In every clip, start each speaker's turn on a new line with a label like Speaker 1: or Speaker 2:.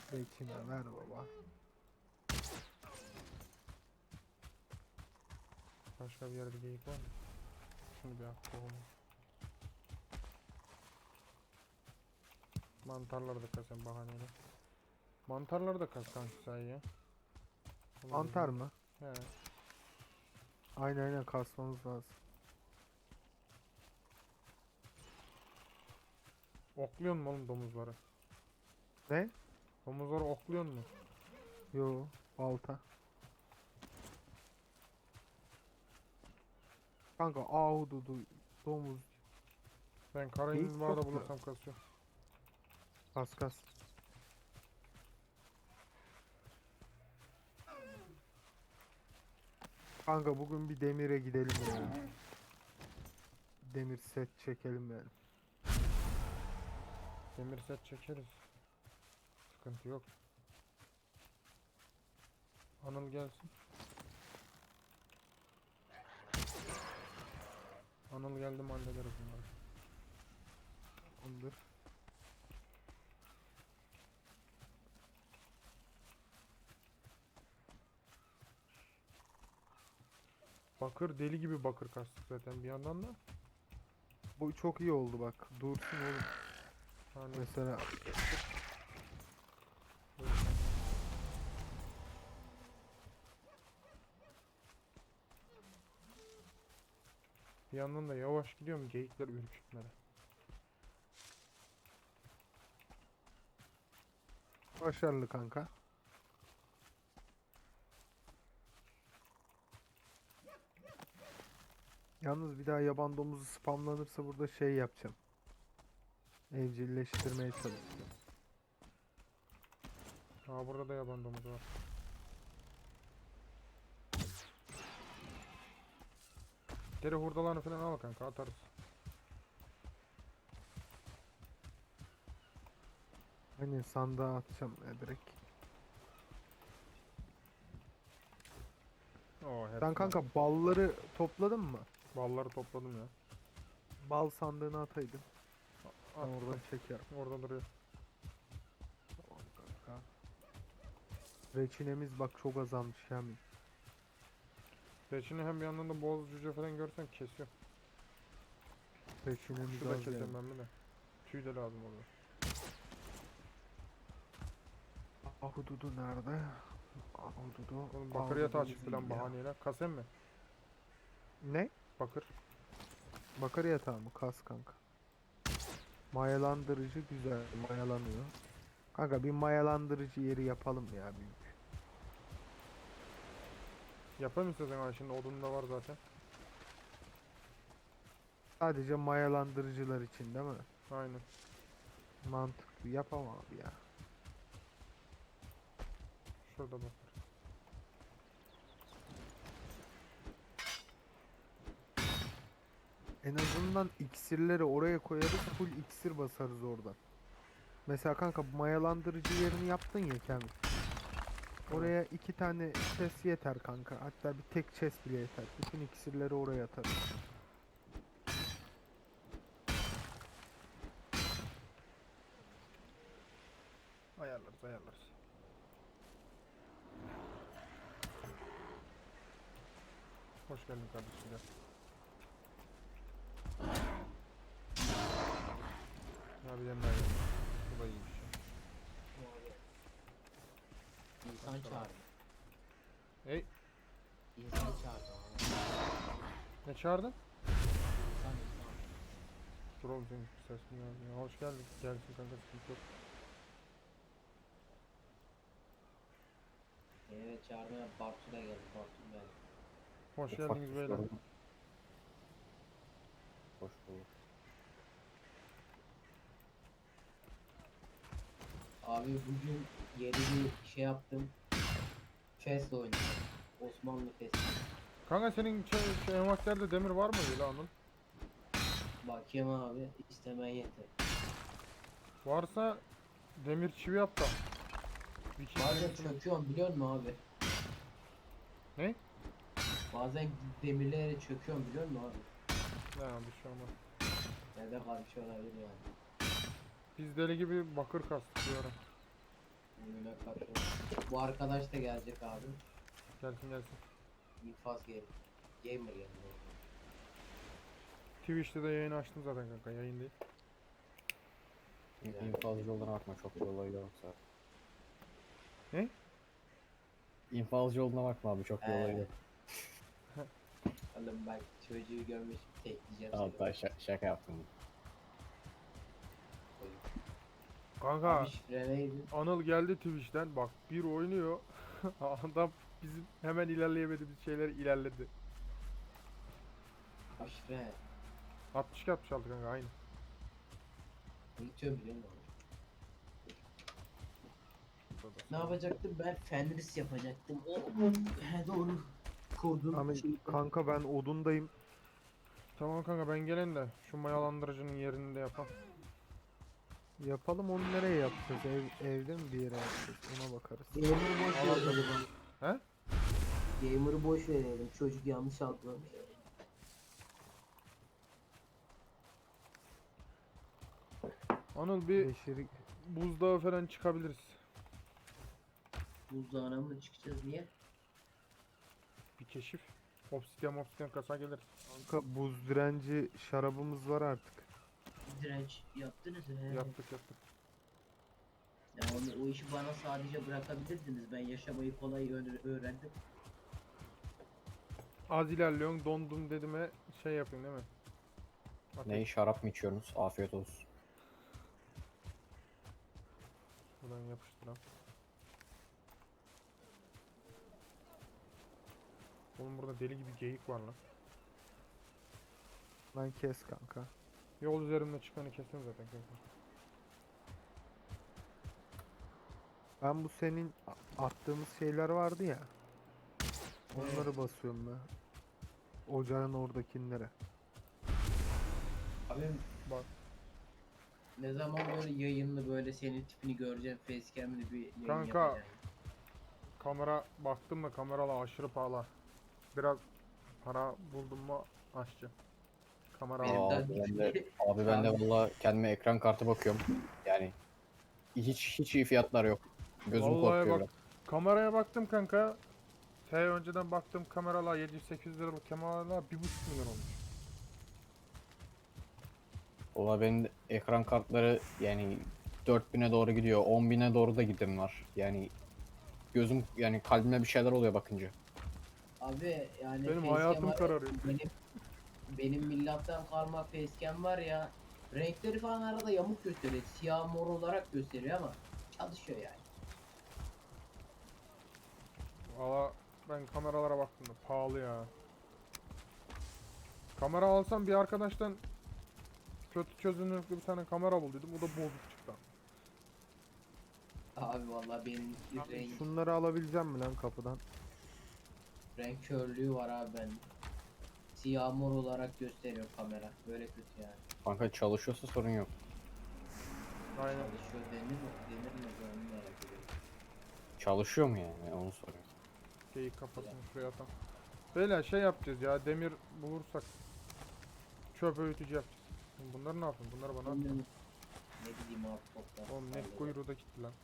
Speaker 1: Bekine ver baba.
Speaker 2: Başka bir yerde geyik var mı? Şunu bir at tohumu. Mantarları da kasen bahaneyle. Mantarları da kas kanka sen ya.
Speaker 1: Mantar mı?
Speaker 2: He.
Speaker 1: Aynen kasmamız lazım.
Speaker 2: Okluyor mu oğlum domuzları?
Speaker 1: Ne?
Speaker 2: Domuzları okluyor mu?
Speaker 1: Yo, balta. Kanka ahududu domuz.
Speaker 2: Ben
Speaker 1: Geyik
Speaker 2: karayın bağda
Speaker 1: çok da.
Speaker 2: bulursam kasıyorum.
Speaker 1: Kas kas. Kanka bugün bir demire gidelim ya. Demir set çekelim yani.
Speaker 2: Demir set çekeriz. Sıkıntı yok. Anıl gelsin. Anıl geldi mi hallederiz bunları.
Speaker 1: Ondur.
Speaker 2: Bakır deli gibi bakır kastık zaten bir yandan da.
Speaker 1: Bu çok iyi oldu bak. Dursun oğlum.
Speaker 2: Hani
Speaker 1: Mesela
Speaker 2: bir yandan da yavaş gidiyorum geyikler ürkütmede.
Speaker 1: başarılı kanka. Yalnız bir daha yaban domuzu spamlanırsa burada şey yapacağım. Evcilleştirmeye çalışacağım.
Speaker 2: Aa burada da yaban domuzu var. Deri hurdalarını falan al kanka atarız.
Speaker 1: Hani sandığa atacağım ya direkt.
Speaker 2: Oo hepsi
Speaker 1: Sen
Speaker 2: var.
Speaker 1: kanka balları topladın mı?
Speaker 2: Balları topladım ya.
Speaker 1: Bal sandığına ataydın. Ben
Speaker 2: Attım.
Speaker 1: oradan çekerim.
Speaker 2: Orada duruyor.
Speaker 1: Tamam kanka. Reçinemiz bak çok azalmış yani.
Speaker 2: Reçini hem bir yandan da boğaz cüce falan görsen kesiyor.
Speaker 1: Reçinemiz
Speaker 2: Şu da
Speaker 1: az
Speaker 2: keseceğim
Speaker 1: yani.
Speaker 2: ben bir de. Tüy de lazım orada.
Speaker 1: Ahududu nerede? Ahududu.
Speaker 2: Oğlum bakır yatağı
Speaker 1: Ahududumuz
Speaker 2: çıktı lan
Speaker 1: iyi ya.
Speaker 2: bahaneyle. Kasem mi?
Speaker 1: Ne?
Speaker 2: Bakır.
Speaker 1: Bakır yatağı mı? Kas kanka. Mayalandırıcı güzel. Mayalanıyor. Kanka bir mayalandırıcı yeri yapalım ya büyük.
Speaker 2: Yapayım istersen abi şimdi odun da var zaten.
Speaker 1: Sadece mayalandırıcılar için değil mi?
Speaker 2: Aynen.
Speaker 1: Mantıklı. Yapamam abi ya.
Speaker 2: Şurada bakır.
Speaker 1: En azından iksirleri oraya koyarız. Full iksir basarız oradan. Mesela kanka mayalandırıcı yerini yaptın ya Kamil. Oraya iki tane chest yeter kanka. Hatta bir tek chest bile yeter. Bütün iksirleri oraya atarız.
Speaker 2: Ayarlarız ayarlarız. Hoş geldin kardeşim ya. Ya bir de daha yedim. Bu da iyiymiş ya.
Speaker 3: İnsan çağırdı.
Speaker 2: Hey
Speaker 3: İnsan çağırdı abi.
Speaker 2: ne çağırdın?
Speaker 3: İnsan.
Speaker 2: Dur oğlum senin sesin ya. Hoş geldin. Gelsin kanka sıkıntı yok.
Speaker 3: Evet çağırmaya Bartu da geldi. Bartu geldi.
Speaker 2: Hoş
Speaker 4: Ufak
Speaker 2: geldiniz
Speaker 4: bir
Speaker 2: beyler.
Speaker 4: sorun. Hoş bulduk.
Speaker 3: Abi bugün yeni bir şey yaptım. Chess oynadım. Osmanlı Chess.
Speaker 2: Kanka senin envanterde demir var mı öyle Anıl?
Speaker 3: Bakayım abi. İstemen yeter.
Speaker 2: Varsa demir çivi yap da.
Speaker 3: Bazen çöküyorum biliyor musun abi?
Speaker 2: Ne?
Speaker 3: Bazen demirlere çöküyorum biliyor musun abi?
Speaker 2: Ya bir şey olmaz.
Speaker 3: Nerede karşı olabilir yani.
Speaker 2: Biz deli gibi bakır kastık diyorum.
Speaker 3: Oyuna katıl. Bu arkadaş da gelecek abi.
Speaker 2: Gelsin gelsin.
Speaker 3: İnfaz gamer yanında.
Speaker 2: Twitch'te de yayın açtım zaten kanka, yayın değil.
Speaker 4: İnfazcı olduğuna bakma, çok bir olayı yoksa.
Speaker 2: Ne?
Speaker 4: İnfazcı olduğuna bakma abi, çok bir olayı yok.
Speaker 3: Oğlum bak çocuğu görmüş tekleyeceğim
Speaker 4: Hatta şaka yaptım.
Speaker 2: Kanka
Speaker 3: Abi şifre neydi?
Speaker 2: Anıl geldi Twitch'ten, bak bir oynuyor. Adam bizim hemen ilerleyemediğimiz şeyler ilerledi.
Speaker 3: Abi şifre ne?
Speaker 2: 62 66 kanka aynı.
Speaker 3: Unutuyorum biliyor musun? Ne yapacaktım ben? Fenris yapacaktım. He doğru. Kurdun.
Speaker 1: Ama kanka ben odundayım.
Speaker 2: Tamam kanka, ben gelen de şu mayalandırıcının yerini de yapalım.
Speaker 1: Yapalım, onu nereye yapacağız? Evde mi bir yere yapacağız? Ona bakarız.
Speaker 3: Gamer'ı boş verelim.
Speaker 2: He?
Speaker 3: Gamer'ı boş verelim. Çocuk yanlış algılamış.
Speaker 2: Anıl bir
Speaker 1: Beşeri
Speaker 2: buzdağı falan çıkabiliriz.
Speaker 3: Buzdağına mı çıkacağız? Niye?
Speaker 2: Bir keşif. Obsidian kasa geliriz.
Speaker 1: kanka, buz direnci şarabımız var artık.
Speaker 3: Direnç yaptınız mı?
Speaker 2: Yaptık.
Speaker 3: Ya onu, o işi bana sadece bırakabilirdiniz. Ben yaşamayı kolay öğrendim.
Speaker 2: Az ilerliyorsun, dondum dedime şey yapayım değil mi?
Speaker 4: Neyi, şarap mı içiyorsunuz? Afiyet olsun.
Speaker 2: Buradan yapıştıralım. Oğlum burada deli gibi geyik var lan.
Speaker 1: Lan kes kanka.
Speaker 2: Yol üzerinde çıkanı kesin zaten kanka.
Speaker 1: Ben bu senin attığımız şeyler vardı ya. Onları basıyorum ben. Ocağın oradakilere.
Speaker 3: Abi
Speaker 2: Bak.
Speaker 3: ne zaman böyle yayınlı böyle senin tipini göreceğim facecam'li bir yayın
Speaker 2: Kanka,
Speaker 3: yapacaksın.
Speaker 2: Kamera baktım mı, kameralar aşırı pahalı. Biraz para buldum mu açacağım. Kamera
Speaker 3: Benim
Speaker 2: al.
Speaker 3: de-
Speaker 4: Abi ben de valla kendime ekran kartı bakıyorum. Yani hiç iyi fiyatlar yok. Gözüm
Speaker 2: Vallahi
Speaker 4: korkuyor
Speaker 2: bak,
Speaker 4: biraz.
Speaker 2: kameraya baktım kanka. Önceden baktım kameralar 700-800 lira, bu kameralar 1,5 milyon olmuş.
Speaker 4: Valla benim de ekran kartları yani 4000'e doğru gidiyor. 10.000'e doğru da gidim var. Yani gözüm, yani kalbime bir şeyler oluyor bakınca.
Speaker 3: Abi yani
Speaker 2: Benim
Speaker 3: facecam
Speaker 2: hayatım
Speaker 3: var ya,
Speaker 2: kararıyor.
Speaker 3: benim millattan kalma facecam var ya. Renkleri falan arada yamuk gösteriyor. Siyah mor olarak gösteriyor ama çalışıyor yani.
Speaker 2: Valla ben kameralara baktım da pahalı ya. Kamera alsam bir arkadaştan kötü çözünürlüklü bir tane kamera bulduydum. O da bozuk çıktı.
Speaker 3: Abi vallahi benim renk,
Speaker 1: Şunları alabileceğim mi lan kapıdan?
Speaker 3: renk körlüğü var abi bende. Siyah mor olarak gösteriyor kamera. Böyle kötü yani.
Speaker 4: Kanka çalışıyorsa sorun yok.
Speaker 2: Aynen.
Speaker 3: Çalışıyor denir mi? Denir mi? Ben onu merak ediyorum.
Speaker 4: Çalışıyor mu yani? Onu soruyorum.
Speaker 2: Geyik kafasını şuraya atam. Beyler şey yapacağız ya, demir bulursak çöp öğütücü yapacağız. Bunları ne yapayım? Bunları bana at.
Speaker 3: Ne bileyim abi toplar.
Speaker 2: Oğlum ne kuyruğu da gitti lan.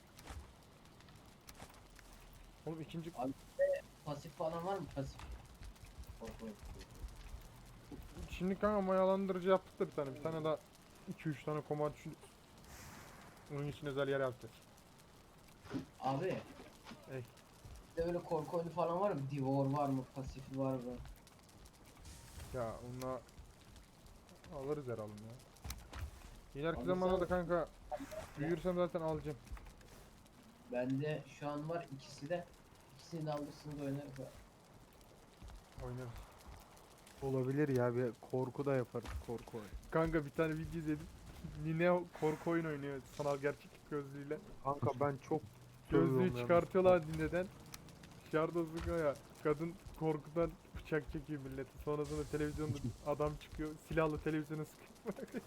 Speaker 2: Oğlum ikinci
Speaker 3: Pasif falan var mı? Pasif. Korkunç.
Speaker 2: şimdi kanka mayalandırıcı yaptık da bir tane daha 2-3 tane koma düşündük. Onun için özel yer yaptık.
Speaker 3: Abi.
Speaker 2: Ey.
Speaker 3: Bir de öyle korku oyunu falan var mı? Divor var mı? Pasifi var mı?
Speaker 2: Ya onunla alırız herhalde ya. İleriki
Speaker 3: Alırsan-
Speaker 2: zamanda da kanka büyürsem zaten alacağım.
Speaker 3: Bende şu an var ikisi de. İkisini de alırsınız oynarız.
Speaker 2: Oynarız.
Speaker 1: Olabilir ya, bir korku da yaparız, korku oyunu.
Speaker 2: Kanka bir tane video izledim. Nine korku oyun oynuyor sanal gerçeklik gözlüğüyle.
Speaker 1: Kanka ben çok
Speaker 2: Gözlüğü
Speaker 1: dövüyorum
Speaker 2: çıkartıyorlar Nine'den. Dışarıda sıkıyor ya. Kadın korkudan bıçak çekiyor milleti. Sonrasında televizyonda adam çıkıyor. Silahlı televizyona sıkıyor.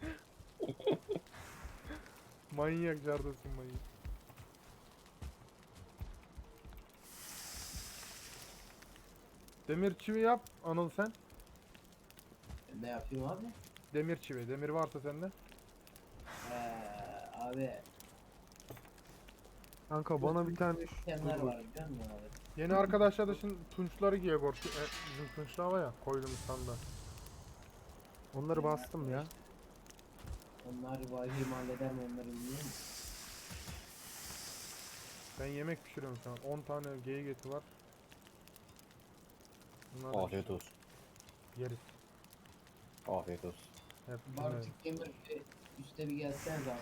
Speaker 2: Manyak Jardasın manyak. Demir çivi yap Anıl sen.
Speaker 3: Ne yapayım abi?
Speaker 2: Demir çivi. Demir varsa sende.
Speaker 3: Abi
Speaker 1: Kanka bana bir tane
Speaker 3: Sistemler var biliyor musun abi?
Speaker 2: Yeni arkadaşlar da şimdi tunçları giyiyor Gorki. Bizim tunçlar var ya koyduğumuz sanda.
Speaker 1: onları bastım ya.
Speaker 3: Onlar vahim halleder mi onları bilmiyorum.
Speaker 2: Ben yemek pişiriyorum şu an. 10 tane geyik eti var. Bunları
Speaker 4: Afiyet olsun.
Speaker 2: yeriz.
Speaker 4: Afiyet olsun.
Speaker 2: Hep
Speaker 3: Bartik Gamer bir üste bir gelsene zaten.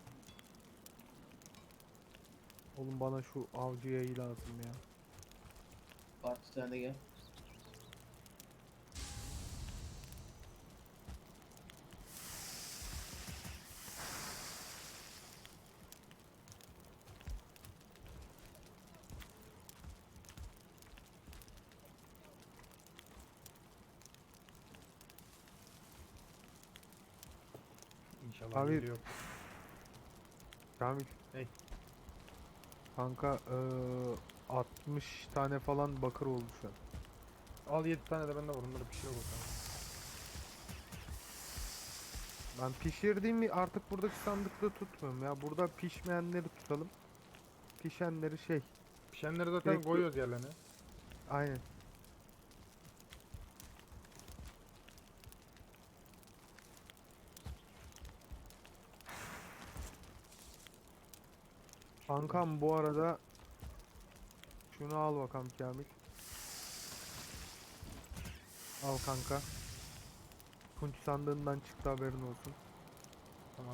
Speaker 1: Oğlum bana şu avcı yayı lazım ya.
Speaker 3: Bartik sen de gel.
Speaker 2: İnşallah
Speaker 1: Abi-
Speaker 2: geliyor.
Speaker 1: Kamil.
Speaker 2: Hey.
Speaker 1: Kanka 60 tane falan bakır oldu şu an.
Speaker 2: Al 7 tane de bende var. Onları pişir bakalım.
Speaker 1: Ben pişirdiğimi artık buradaki sandıkta tutmuyorum ya. Burada pişmeyenleri tutalım. Pişenleri şey.
Speaker 2: Pişenleri zaten
Speaker 1: Direkt-
Speaker 2: koyuyoruz yerlerine.
Speaker 1: Aynen. Kankam bu arada şunu al bakalım Kamil. Al kanka. Punç sandığından çıktı haberin olsun.
Speaker 2: Tamam.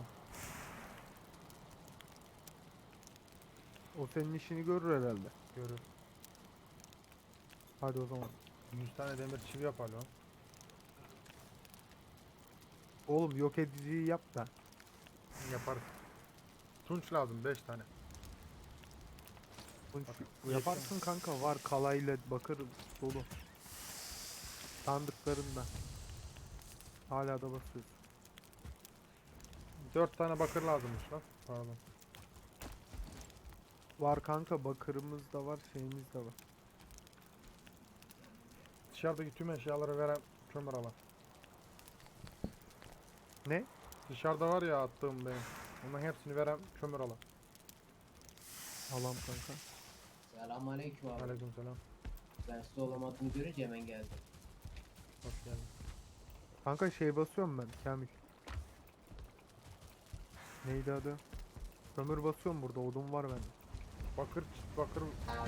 Speaker 1: O senin işini görür herhalde.
Speaker 2: Görür.
Speaker 1: Hadi o zaman.
Speaker 2: 100 tane demir çivi yapar lan.
Speaker 1: Oğlum yok ediciyi yap da.
Speaker 2: Yaparız. Tunç lazım 5 tane.
Speaker 1: Punç
Speaker 2: Bakın,
Speaker 1: yaparsın kanka, var kalayla bakır dolu. Sandıklarında. Hala da basıyorsun.
Speaker 2: 4 tane bakır lazımmış lan. Pardon.
Speaker 1: Var kanka, bakırımız da var, şeyimiz de var.
Speaker 2: Dışarıdaki tüm eşyaları veren kömür alan.
Speaker 1: Ne?
Speaker 2: Dışarıda var ya attığım benim. Onların hepsini veren kömür alan.
Speaker 1: Alam kanka.
Speaker 3: Selamünaleyküm abi.
Speaker 2: Aleykümselam.
Speaker 3: Ben size olamadığını görünce hemen geldim.
Speaker 2: Hoş geldin.
Speaker 1: Kanka şey basıyorum ben Kamil. Neydi adı? Kömür basıyorum, burada odun var bende.
Speaker 2: Bakır bakır.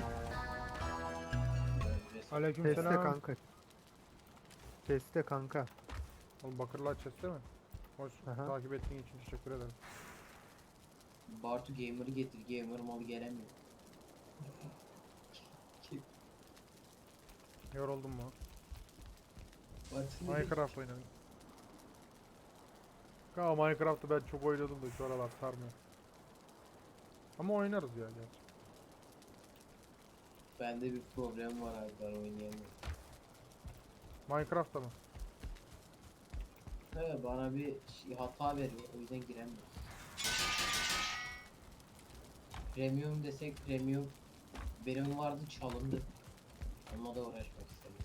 Speaker 1: Teste
Speaker 2: Aleykümselam.
Speaker 1: kanka. Teste kanka.
Speaker 2: Oğlum bakırlar chest'te mi? Hoş.
Speaker 1: Aha.
Speaker 2: Takip ettiğin için teşekkür ederim.
Speaker 3: Bartu Gamer'ı getir. Gamer malı gelemiyor.
Speaker 2: Yoruldun mu?
Speaker 3: Bartu
Speaker 2: Minecraft oynadım. Ya Minecraft'ı ben çok oynadım da şu aralar sarmıyor. Ama oynarız ya gerçi.
Speaker 3: Bende bir problem var abi, ben oynayamıyorum.
Speaker 2: Minecraft'ta mı?
Speaker 3: He, bana bir hata veriyor, o yüzden giremiyorum. Premium desek premium benim vardı, çalındı. Onunla da uğraşmak istedim.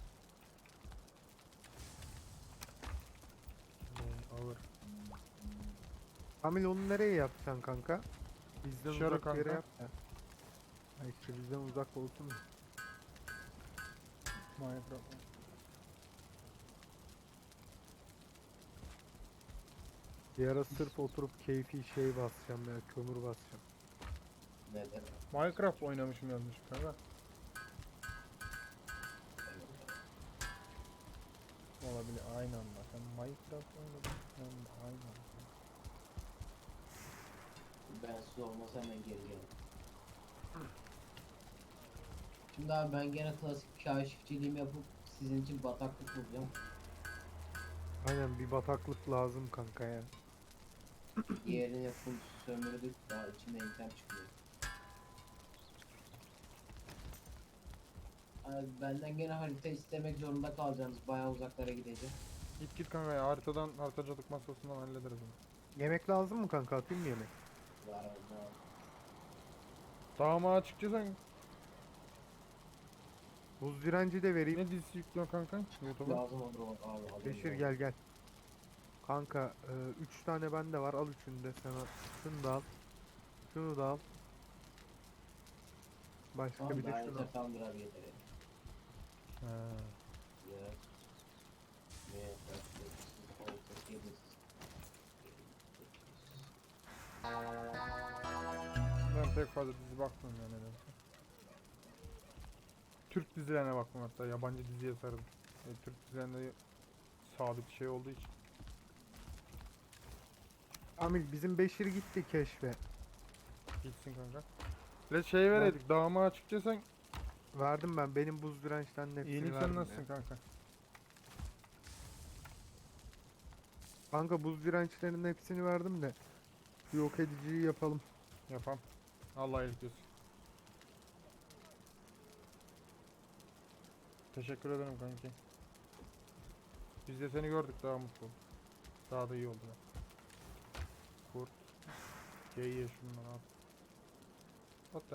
Speaker 2: Ağır.
Speaker 1: Kamil onu nereye yapacaksın kanka? Bizden
Speaker 2: Dışarı
Speaker 1: uzak bir yere
Speaker 2: kanka.
Speaker 1: yap da. Ha işte bizden uzak olsun da.
Speaker 2: Minecraft.
Speaker 1: Bir ara sırf oturup keyfi şey basacağım ya, kömür basacağım.
Speaker 3: Neden?
Speaker 2: Minecraft oynamışım yazmış kanka. Olabilir aynı anda. Sen Minecraft oynadın. Ben de aynı anda.
Speaker 3: Ben siz olmasa hemen geri gelirim. Şimdi abi ben gene klasik kaşifçiliğimi yapıp sizin için bataklık bulacağım.
Speaker 1: Aynen, bir bataklık lazım kanka ya.
Speaker 3: Diğerini full sömürdük, daha içinde item çıkıyor. Abi benden gene harita istemek zorunda kalacaksınız. Bayağı uzaklara gideceğim.
Speaker 2: Git kanka ya haritadan haritacılık masasından hallederiz onu.
Speaker 1: Yemek lazım mı kanka, atayım mı yemek?
Speaker 3: Var olma.
Speaker 2: Dağıma çıkacaksın.
Speaker 1: Buz direnci de vereyim.
Speaker 2: Ne dizisi yüklüyorsun kanka? YouTube'a.
Speaker 3: Lazım olur o abi. alayım
Speaker 1: Beşir
Speaker 3: ben.
Speaker 1: gel gel. Kanka 3 tane bende var, al üçünü de sen al. Şunu da al. Şunu da al. Başka
Speaker 3: Tamam
Speaker 1: bir de
Speaker 3: daha
Speaker 1: şunu.
Speaker 3: yeter, tamamdır abi yeter.
Speaker 2: He.
Speaker 3: Ya. Ne yeter? 8,
Speaker 2: Ben pek fazla dizi bakmıyorum yani nedense. Türk dizilerine baktım hatta, yabancı diziye sarıldım. Türk dizilerinde sabit şey olduğu için.
Speaker 1: Amil bizim Beşir gitti keşfe.
Speaker 2: Gitsin kanka. Le şey vereydik, dağıma açıkça sen
Speaker 1: Verdim ben. Benim buz dirençten hepsini
Speaker 2: iyilik, sen
Speaker 1: verdim
Speaker 2: nasılsın
Speaker 1: ya.
Speaker 2: kanka?
Speaker 1: Kanka buz dirençlerinin hepsini verdim de. Yok ediciyi yapalım.
Speaker 2: Yapam. Allah iyilik versin. Teşekkür ederim kanki. Biz de seni gördük, daha mutlu olduk. Daha da iyi oldu ya. Kurt. Geyiğe şundan at. At da.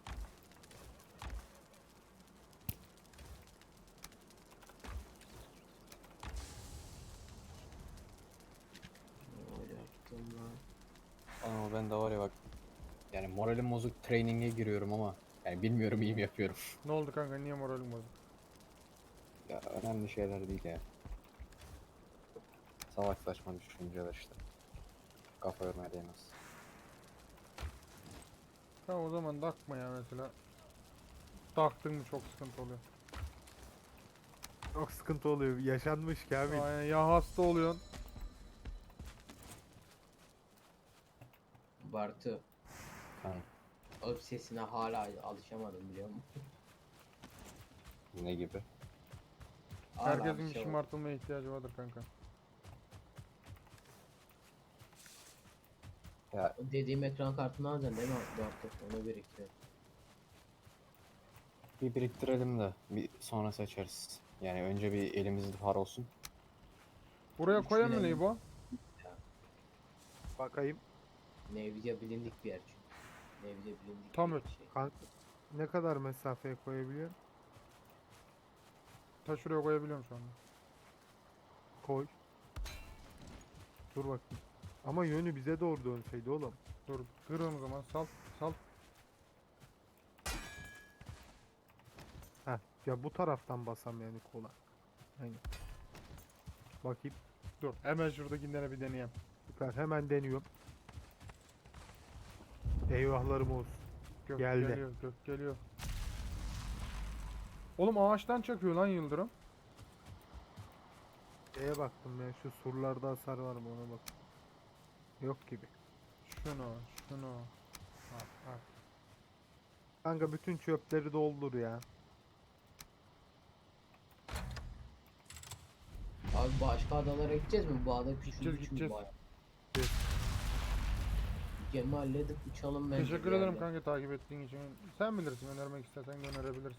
Speaker 3: öyle yaptım lan.
Speaker 4: Ama ben de var ya bak. Yani moralim bozuk, training'e giriyorum ama yani bilmiyorum iyi mi yapıyorum.
Speaker 2: Ne oldu kanka, niye moralin bozuk?
Speaker 4: Ya önemli şeyler değil ya. Salak saçma düşünceler işte. Kafa yormaya değmez.
Speaker 2: Tamam o zaman takma ya mesela. Taktın mı çok sıkıntı oluyor.
Speaker 1: Çok sıkıntı oluyor. Yaşanmış ki abi.
Speaker 2: Aynen, ya hasta oluyorsun.
Speaker 3: Bartu.
Speaker 4: Hani
Speaker 3: Alıp sesine hala alışamadım biliyor musun?
Speaker 4: ne gibi?
Speaker 3: Hala
Speaker 2: Herkesin bir
Speaker 3: alışamadım.
Speaker 2: şımartılmaya ihtiyacı vardır kanka.
Speaker 4: Ya
Speaker 3: Dediğim ekran kartını alacaksın değil mi Bartu? Onu biriktiriyorum.
Speaker 4: bir biriktirelim de bir sonra seçeriz. Yani önce bir elimizde para olsun.
Speaker 2: Buraya
Speaker 3: 3000
Speaker 2: koyalım mı
Speaker 3: elim.
Speaker 2: bu?
Speaker 1: Bakayım.
Speaker 3: Nvidia bilindik bir yer çünkü. Nvidia bilindik
Speaker 2: Tam
Speaker 3: bir
Speaker 2: öt.
Speaker 3: şey.
Speaker 1: Kanka ne kadar mesafeye koyabiliyor?
Speaker 2: Ta şuraya koyabiliyorum şu anda.
Speaker 1: Koy. Dur bakayım. Ama yönü bize doğru dönseydi oğlum.
Speaker 2: Dur kırın o zaman, sal sal.
Speaker 1: Heh. Ya bu taraftan basam yani kola. Aynen. Bakayım.
Speaker 2: Dur hemen şuradakilere bir deneyeyim.
Speaker 1: Süper. Hemen deniyorum. Eyvahlarım olsun.
Speaker 2: Gök
Speaker 1: Geldi.
Speaker 2: geliyor, gök geliyor. Oğlum ağaçtan çakıyor lan yıldırım.
Speaker 1: Şeye baktım ya, şu surlarda hasar var mı ona bak. Yok gibi.
Speaker 2: Şunu. At.
Speaker 1: Kanka bütün çöpleri doldur ya.
Speaker 3: Abi başka adalara gideceğiz mi? Bu ada küçüldü çünkü
Speaker 2: Gideceğiz.
Speaker 3: bayağı.
Speaker 1: Gideceğiz.
Speaker 3: Gemi halledip uçalım bence.
Speaker 2: Teşekkür
Speaker 3: bir
Speaker 2: ederim
Speaker 3: yerden.
Speaker 2: kanka takip ettiğin için. Sen bilirsin, önermek istersen de önerebilirsin.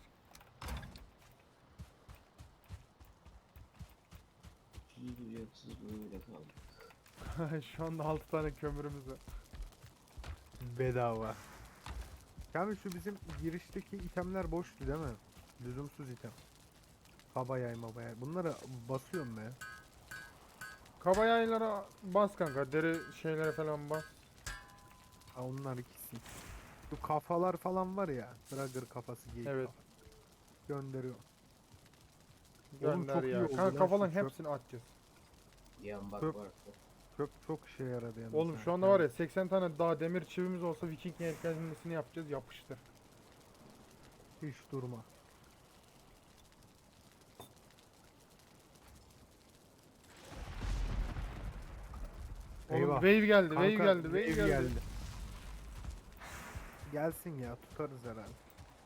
Speaker 3: Bucaksız böyle kaldık.
Speaker 2: Şu anda 6 tane kömürümüz var.
Speaker 1: Bedava. Kamil şu bizim girişteki itemler boştu değil mi? Lüzumsuz item. Kaba yay maba yay. Bunlara basıyorum be.
Speaker 2: Kaba yaylara bas kanka, deri şeylere falan bas.
Speaker 1: Ha onlar ikisi. Şu kafalar falan var ya. Dragger kafası geyik
Speaker 2: Evet.
Speaker 1: kafa. Gönderiyor. Oğlum
Speaker 2: Gönder
Speaker 1: çok iyi
Speaker 2: ya.
Speaker 1: oldu lan
Speaker 2: Kanka
Speaker 1: şu
Speaker 2: kafaların
Speaker 1: çöp.
Speaker 2: hepsini atacağız.
Speaker 3: Diyen bak
Speaker 1: Çöp.
Speaker 3: var.
Speaker 1: Çok çok işe yaradı yalnız.
Speaker 2: Oğlum
Speaker 1: ha.
Speaker 2: şu anda var ya 80 tane daha demir çivimiz olsa Viking yelkenlisini yapacağız, yapıştır.
Speaker 1: Hiç durma.
Speaker 2: Oğlum
Speaker 1: Eyvah.
Speaker 2: wave geldi, wave
Speaker 1: Kanka,
Speaker 2: geldi, wave
Speaker 1: wave
Speaker 2: geldi.
Speaker 1: Gelsin ya, tutarız herhalde.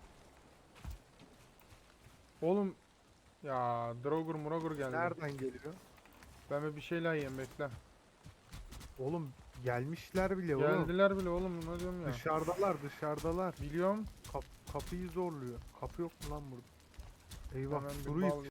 Speaker 2: Oğlum ya Draugr Muragr geldi.
Speaker 1: Nereden geliyor?
Speaker 2: Ben bir şeyler yiyeyim, bekle.
Speaker 1: Oğlum gelmişler bile oğlum.
Speaker 2: Geldiler bile oğlum, ne diyorum ya.
Speaker 1: Dışarıdalar.
Speaker 2: Biliyorum.
Speaker 1: Kapıyı zorluyor. Kapı yok mu lan burada? Eyvah,
Speaker 2: Hemen bir
Speaker 1: suru
Speaker 2: bal